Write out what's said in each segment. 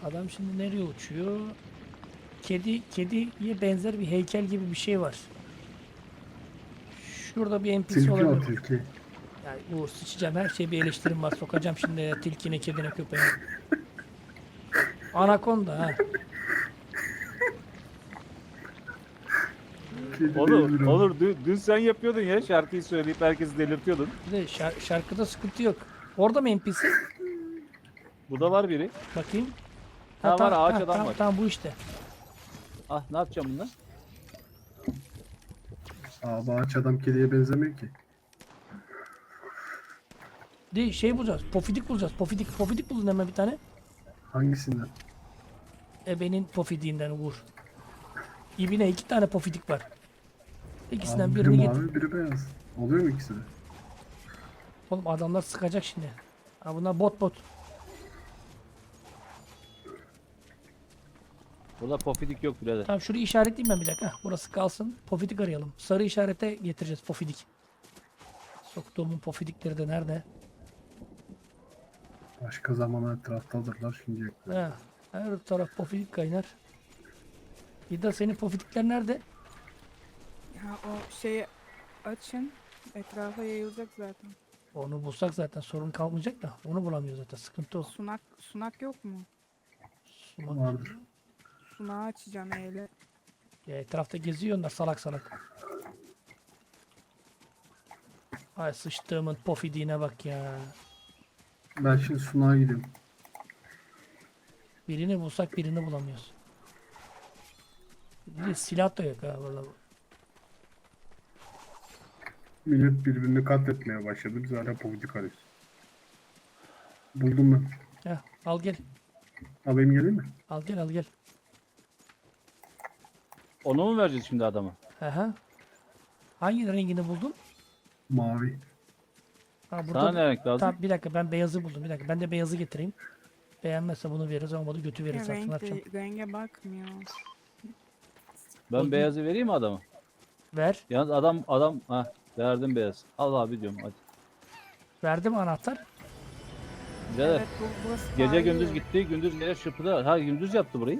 Adam şimdi nereye uçuyor? Kediye benzer bir heykel gibi bir şey var. Şurada bir NPC Tilki o olabilir. tilki. Yani Uğur sıçacağım, her şeye bir eleştirim var. Sokacağım şimdi tilkine, kedine, köpeğine. Anakonda ha. Kedi Olur, değildir o. olur. Dün sen yapıyordun ya, şarkıyı söyleyip herkesi delirtiyordun. Bir de şarkıda sıkıntı yok. Orada mı NPC? Burada var biri. Bakayım. Ha, var, ağaç adam tamam, var. tamam bu işte. Ah, ne yapacağım bundan? Abi ağaç adam kediye benzemiyor ki. De şey bulacağız. Pofidik bulacağız. Pofidik bulun hemen bir tane. Hangisinden? Ebenin pofidiğinden Uğur. İbine 2 tane pofidik var. İkisinden Abi biri birini getir. mavi biri beyaz. Oluyor mu ikisi de? Oğlum adamlar sıkacak şimdi. Ha bunlar bot. Burada pofidik yok birader. Tamam şurayı işaretleyeyim ben bir dakika. Hah, burası kalsın. Pofidik arayalım. Sarı işarete getireceğiz pofidik. Soktuğumun pofidikleri de nerede? Başka zaman etraftadırlar şimdiye kadar. Ha, her taraf pofidik kaynar. İda senin pofidikler nerede? Ya o şeyi açın. Etrafa yayılacak zaten. Onu bulsak zaten sorun kalmayacak da. Onu bulamıyor zaten. Sıkıntı o. Sunak yok mu? Sumak. Vardır. Sunağı açacağım eyle. Ya etrafta geziyor onlar salak salak. Ay sıçtığımın pofidiğine bak ya. Ben şimdi sunağa gidiyorum. Birini bulsak birini bulamıyoruz. Bir de silah da yok ha vallahi. Millet birbirini katletmeye başladı. Biz hala politik arıyoruz. Buldum ben. Heh, al gel. Alayım geleyim mi? Al gel. Onu mu vereceğiz şimdi adama? Aha. Hangi rengini buldun? Mavi. Ha, Sana ne renk lazım? Tamam bir dakika ben beyazı buldum. Bir dakika ben de beyazı getireyim. Beğenmezse bunu veririz, olmadı götü Ya veririz artık, ne yapacağım? renge bakmıyor. Ben Buldum. beyazı vereyim mi adama? Ver. Yalnız adam ha, verdim beyaz. Al abi diyorum hadi. Verdim anahtar. Birader, Evet burası gece parlıyor. gündüz gitti, gündüz gece çırpıda. Ha, gündüz yaptı burayı.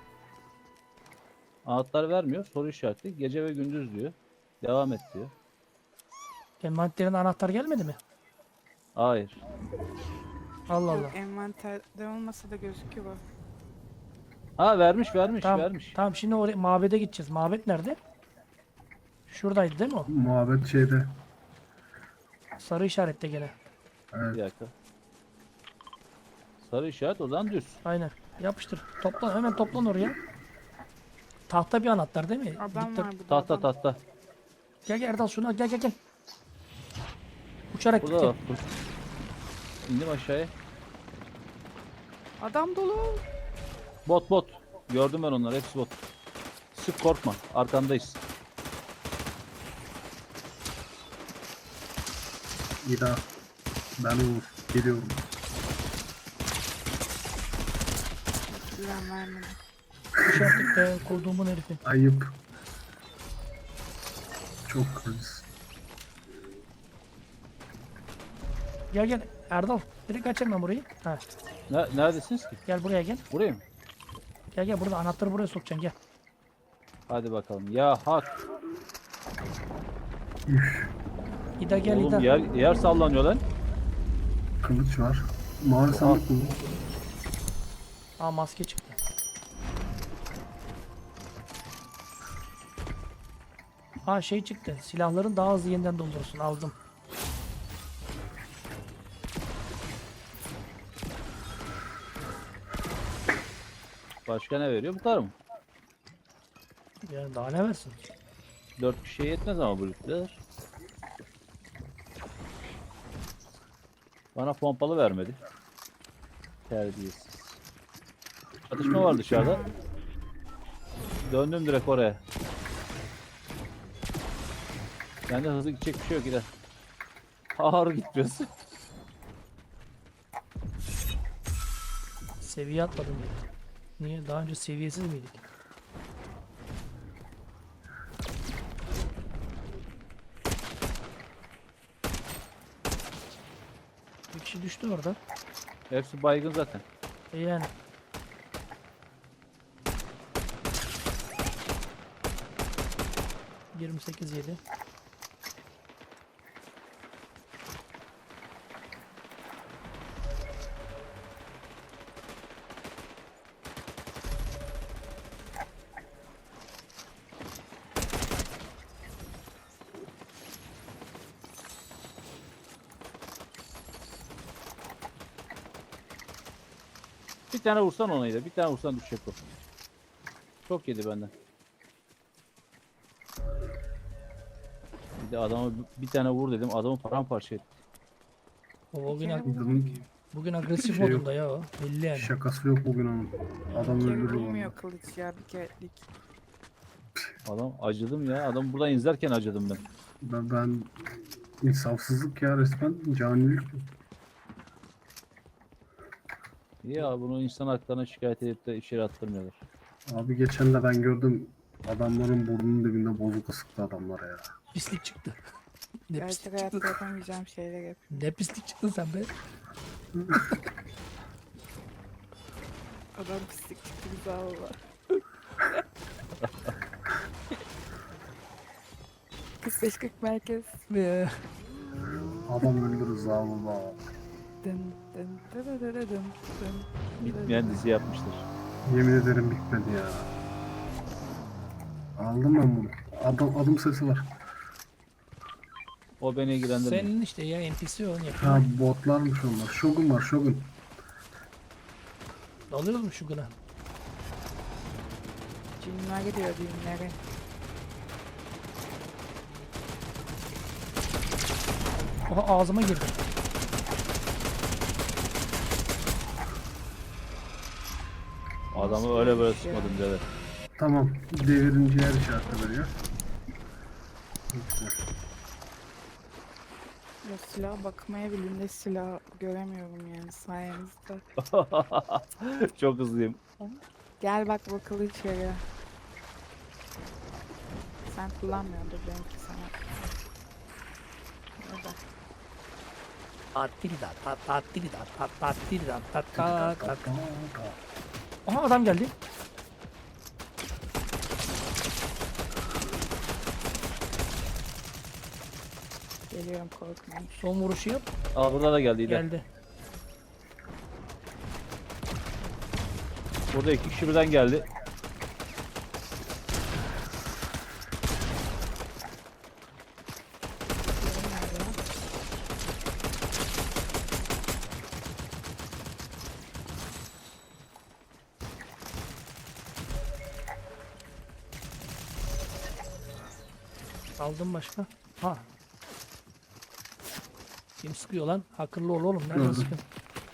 Anahtar vermiyor, soru işareti. Gece ve gündüz diyor. Devam et diyor. Envanterine anahtar gelmedi mi? Hayır. Allah Allah. Yok envanterde olmasa da gözüküyor bak. Ha, vermiş. Tamam şimdi oraya mabede gideceğiz. Mabet nerede? Şuradaydı değil mi o? Muhabbet şeyde. Sarı işarette gene. Evet. Bir dakika. Sarı işaret o zaman düz. Aynen. Yapıştır. Toplan hemen toplan oraya. Tahta bir anahtar değil mi? Adam Dikkat. var burada. adam. Tahta. Gel Erdal şunu al, gel. Uçarak Burada gitti. da. İndim aşağıya. Adam dolu. Bot. Gördüm ben onları, hepsi bot. Sık, korkma. Arkandayız. İda. Ben Uğur. Geliyorum. Güven vermedi. Uçaklıkta koduğumun herifi. Ayıp. Çok kriz. Gel Erdal. Direkt aç hemen burayı. Ha. Neredesiniz ki? Gel buraya gel. Buraya mı? Gel burada anahtarı buraya sokacaksın gel. Hadi bakalım. Ya hak. Üf. İda gel Oğlum İda. yer sallanıyor lan. Kılıç var. Mavi sandık buldum. Aa maske çıktı. Aa şey çıktı. Silahların daha hızlı yeniden doldurursun. Aldım. Başka ne veriyor? Bu kadar mı? Yani daha ne versin? 4 kişiye yetmez ama bu lütfeder. Bana pompalı vermedi. Terbiyesiz. Çatışma var dışarıda. Döndüm direkt oraya. Bende hızlı gidecek bir şey yok, gider. Ağır gitmiyorsun. Seviye atladım. Niye? Daha önce seviyesiz miydik? Bir kişi düştü orada. Hepsi baygın zaten. Yani. 28-7. Bir tane vursan ona da. Bir tane vursan düşecek o. Çok yedi benden. Bir de adama bir tane vur dedim. Adamı paramparça etti. O bugün, kere Adamın bugün agresif Şey yok. modunda ya o. Belli yani. şakası yok bugün onun. Adam Kere öldürür vurmuyor onu. kılıç ya, bir kerelik. Adam acıdım ya. Adam buradan izlerken acıdım ben. Ben insafsızlık ya, resmen canilik. Ya bunu insan haklarına şikayet edip de içeri attırmıyorlar. Abi geçen de ben gördüm, adamların burnunun dibinde bozuk sıktı adamlara ya. Pislik çıktı. Ne Gerçek pislik hayatta çıktı. yapamayacağım şeyler yap. Ne pislik çıktın sen be. Adam pislik çıktı, güzel valla. Kız 540 merkez. Ve Adam öldürür zavallı. Dın dın dın dın dın dın. Bitmeyen dizi yapmışlar. Yemin ederim bitmedi ya. Aldım ben bunu. Adım sesi var. O beni ilgilendirmiyor. senin işte ya NPC onu Ha, yapıyor. botlarmış onlar. Shogun var, Shogun. Alıyoruz mu şu gına? Cinler gidiyor düğünlere. Oha ağzıma girdi. Adamı öyle böyle sıkmadım birader. Tamam, devirince yer işareti veriyor. Güzel. Ya silah bakmaya bile silah göremiyorum yani sayenizde. Çok hızlıyım. Gel bak bakalım içeri. Sen kullanmıyordur benimki sana. Orada. Tattiri da tat tattiri da tat tattiri da tat tat tat. Aha adam geldi. Geliyorum, korkmayın. Son vuruşu yap. Aa burada da geldi İlhan. Geldi. Burada iki kişi birden geldi. Diğeri nerede ya? Aldım başka. Ha. Kim sıkıyor lan? Akıllı ol oğlum. Nereden Gördüm. sıkıyor?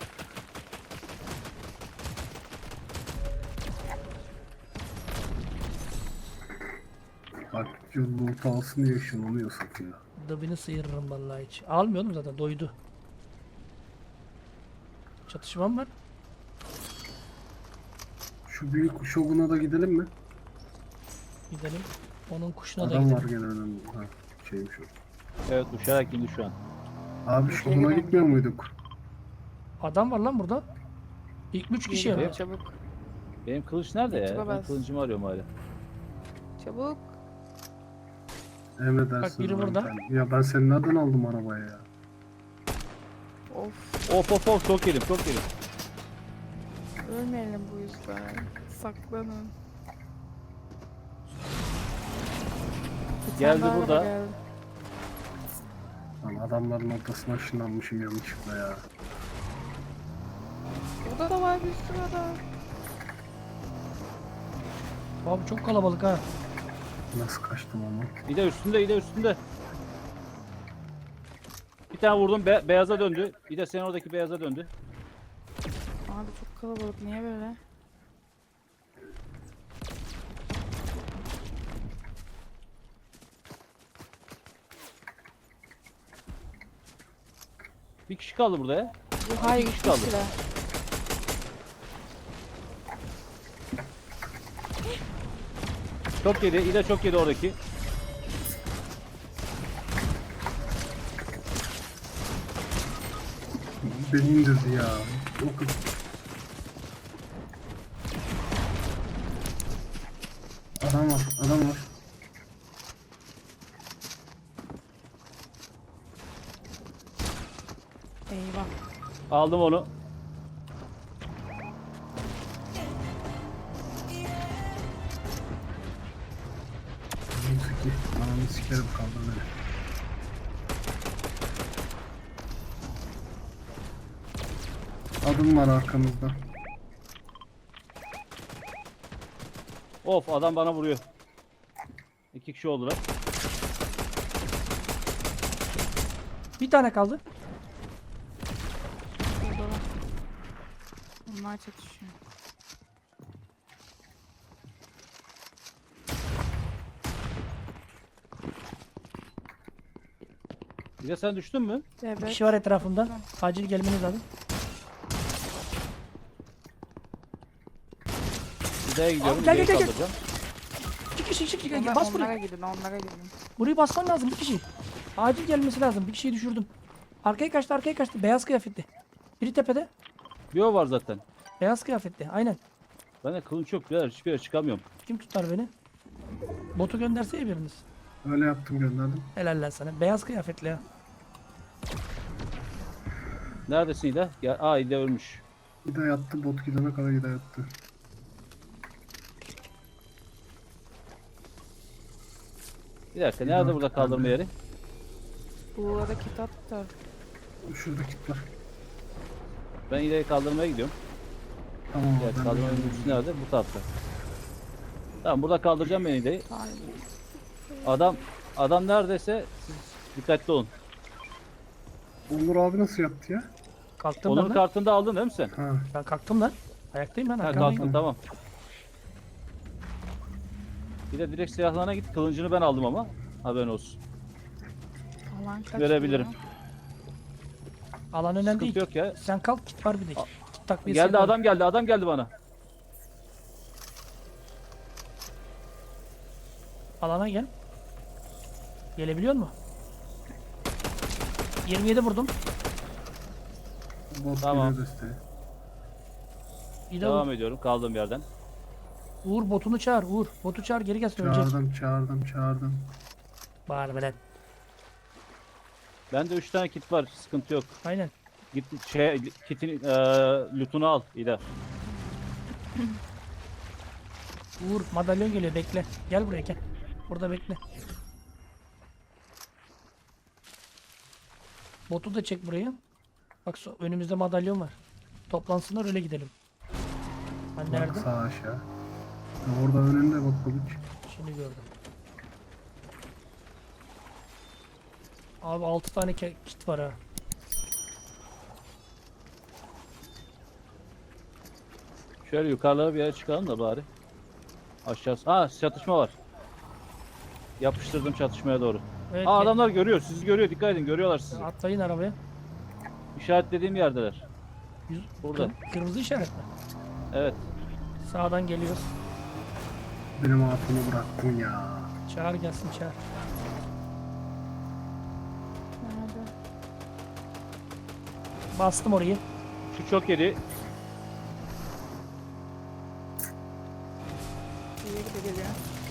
Bak, loot alsın diye ışınlanıyor satıyor. Dıbını sıyırırım vallahi hiç. Almıyordum zaten doydu. Çatışmam var. Şu büyük Shogun'a da gidelim mi? Gidelim. Onun kuşuna da Adam gidelim. var gene önümde. Ha, şeymiş o. Evet uçarak indi şu an. Abi Shogun'a gitmiyor muyduk? Adam var lan burada. İlk 3 kişi Geliyorum, ya. çabuk. Benim kılıç nerede ya? YouTube'a Ben bas. kılıcımı arıyorum hala. Çabuk. Emredersin. Bak, biri abi. burada. Ya ben seni nereden aldım arabaya ya? Of. Of çok yedim çok yedim. Ölmeyelim bu yüzden. Saklanın. Bir Geldi tane daha burada. araba geldi. Lan adamların ortasına ışınlanmışım yanlışlıkla ya. Burada da var bir sürü adam. Abi çok kalabalık ha. Nasıl kaçtım ama? Bir de üstünde. Bir tane vurdum beyaza döndü. Bir de senin oradaki beyaza döndü. Abi çok kalabalık, niye böyle? Bir kişi kaldı burada ya. Bu hayır kişi iki kaldı. kişiler. Çok yedi. İde çok yedi oradaki. Beni indirdi ya. O kız. Adam var. Aldım onu. Ananı sikerim kaldır beni. Adım var arkamızda. Of, adam bana vuruyor. 2 kişi oldular. Bir tane kaldı. Şurada var. Onlar çatışıyor. Bir de sen düştün mü? Bir Evet. kişi var etrafımda. Acil gelmeniz lazım. Hidaya gidiyorum. Abi, gel, Hidayı gel, gel. kaldıracağım. İki kişi. Onlar, Bas onlara buraya. gidin, onlara gidin. Burayı basman lazım bir kişi. Acil gelmesi lazım. Bir kişiyi düşürdüm. Arkaya kaçtı. Beyaz kıyafetli. Biri tepede. Bir o var zaten. Beyaz kıyafetli. Aynen. Bende kılıç yok birader. Hiçbir yere çıkamıyorum. Kim tutar beni? Botu gönderse ya biriniz. Öyle yaptım gönderdim. Helal lan sana. Beyaz kıyafetli ya. Neredesin Hida? Ya, Hida ölmüş. Gide yattı, bot gidene kadar gide yattı. Bir dakika. Nerede burada kaldırma yeri? Bu arada kitap da. Şurada kit var. Ben Hida'yı kaldırmaya gidiyorum. Tamam Evet, ben kaldırma de- yöneticisi nerede? Bu tarafta. Tamam, burada kaldıracağım ben Hida'yı. Hayır. Adam neredeyse siz dikkatli olun. Onur abi nasıl yaptı ya? Kalktım Onur ben lan. kartını da aldın değil mi sen? Ha, Ben kalktım lan. Ayaktayım ben. Ha, arkamdayım. kalktın, tamam. Bir de direkt silahlarına git. Kılıncını ben aldım ama. Haberin olsun. Alan kaç Verebilirim. ya? Alan önemli Sıkıntı değil. yok ya. Sen kalk, kit var bir de. Kit takviyesi Geldi yapalım. adam geldi bana. Alana gel. Gelebiliyor mu? 27 vurdum. bot Tamam. geliyor desteğe. Bir de Devam ediyorum kaldığım yerden. Uğur botunu çağır. Uğur botu çağır, geri gelsin, ölecek. Çağırdım. Bağır be lan. Bende 3 tane kit var. Sıkıntı yok. Aynen. Git kitin lootunu al İda. Uğur madalyon geliyor, bekle. Gel buraya gel. Burada bekle. Botu da çek buraya. Bak önümüzde madalyon var. Toplansınlar öyle gidelim. Ben Bak nerede? sağ aşağı. Ha, orada önünde bak kılıç. Şimdi gördüm. Abi 6 tane kit var ha. Şöyle yukarılara bir yere çıkalım da bari. Aşağısı. Ha, çatışma var. Yapıştırdım çatışmaya doğru. Evet, Aa, adamlar görüyor. Sizi görüyor. Dikkat edin. Görüyorlar sizi. atlayın arabaya. İşaretlediğim yerdeler. Burada. Kırmızı işaret mi? Evet. Sağdan geliyor. Benim hatunu bıraktın ya. Çağır gelsin, çağır. Nerede? Bastım orayı. Şu çok yedi. Diğeri de geliyor.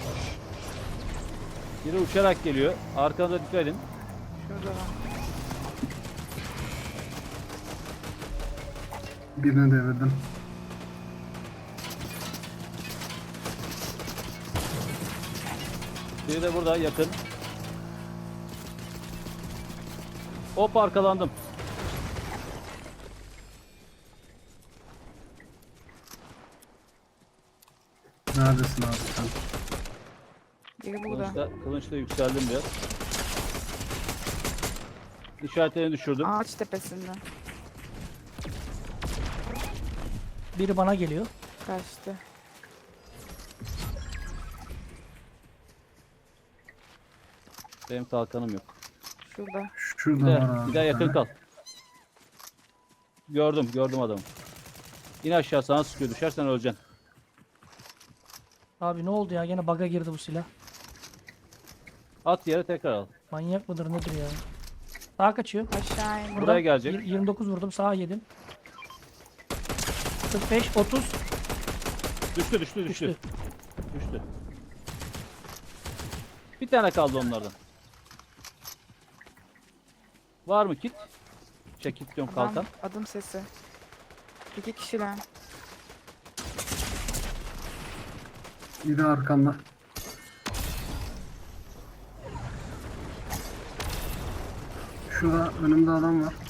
Biri uçarak geliyor. Arkanıza dikkat edin. Şurada var. Birine devirdim. Biri de burada yakın. Hop, arkalandım. Neredesin abi sen? Biri burada. Kılıçla yükseldim biraz. İşaretlerini düşürdüm. Ağaç tepesinde. Biri bana geliyor. Kaçtı. Benim kalkanım yok. Şurada. Şurada Bir var daha, abi. bir daha yakın tane. kal. Gördüm adamı. İn aşağı, sana sıkıyor. Düşersen öleceksin. Abi ne oldu ya? Gene bug'a girdi bu silah. At yere tekrar al. Manyak mıdır nedir ya? Sağa kaçıyor. Aşağı in. Buraya gelecek. 29 vurdum, sağa yedim. 45, 30 Düştü. düştü. Düştü. Bir tane kaldı onlardan. Var mı kit? Çekip diyorum Adam, kalkan. adım sesi. 2 kişiler. Biri arkanda. Şurada önümde adam var.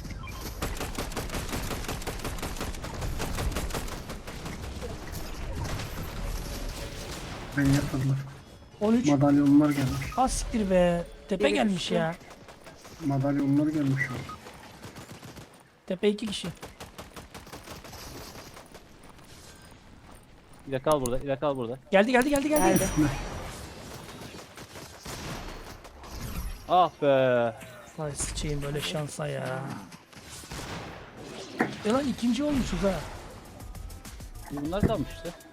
Beni yatırdılar. 13. Madalyonlar gelmiş. Ha siktir be. Tepe Biri gelmiş düştü. ya. Madalyonlar gelmiş şu an. Tepe 2 kişi. İle kal burada. İle kal burada. Geldi geldi geldi geldi. Geldi. Ah be. Vay sıçayım böyle şansa ya. Lan ikinci olmuşuz ha. Bunlar kalmış işte.